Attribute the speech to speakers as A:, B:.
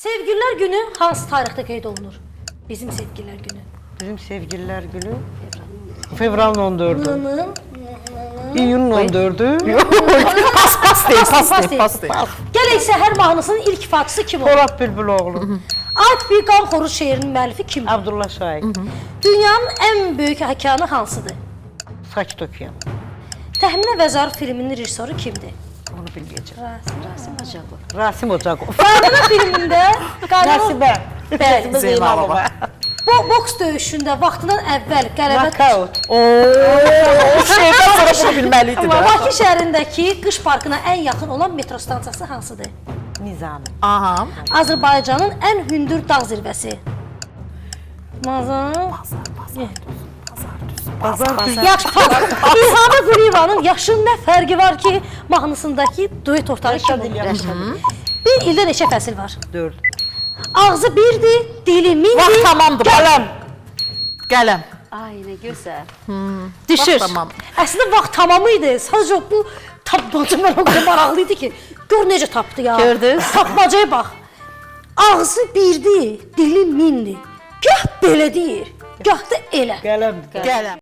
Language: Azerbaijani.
A: Sevgililer günü hansı tarixdə qeyd olunur? Bizim sevgililer günü.
B: Bizim sevgililer günü fevralın 14'ü.
A: Nının.
B: İyunun 14'ü.
C: Pas deyil.
A: Gələk Səhər mahnısının ilk ifaçısı kim olur?
B: Polat Bülbüloğlu.
A: Alp bir qan xoruz şeirinin müəllifi kimdir?
B: Abdullah Şahin.
A: Dünyanın ən böyük okeanı hansıdır?
B: Sakit okuyan.
A: Təxminə və Zarf filminin rejissoru kimdir?
B: Onu bilmeyeceğim.
A: Rasim Ocaqov.
B: Rasim Ocakov.
A: Qanun filmində
B: Nəsibə.
A: Bəli.
B: Zeynalova.
A: Bu boks döyüşündə vaxtından əvvəl qələbə
B: Knockout.
C: Şeydən sonra bunu bilməliydi də.
A: Bakı şəhərindəki qış parkına ən yaxın olan metro stansiyası hansıdır?
B: Nizami.
C: Aha.
A: Azərbaycanın ən hündür dağ zirvəsi. Mazar.
B: Pazar.
A: Yaxşı. İlham Əliyevanın Yaşın nə fərqi var ki mahnısındakı duet ortağı kim olur? Bir ildə neçə fəsil var?
B: 4.
A: Ağzı birdir, dili mindir.
C: Vaxt tamamdır. Qələm. Qələm.
D: Ay, nə gözəl.
A: Düşür.
C: Vaxt tamam.
A: Əslində vaxt tamamı idi. Sadəcə bu tapmaca mən o qədər maraqlı idi ki, gör necə tapdı ya.
D: Gördünüz?
A: Tapmacaya bax. Ağzı birdir, dili mindir. Gah belə deyir, gah da elə.
B: Gələm.
C: Qələm.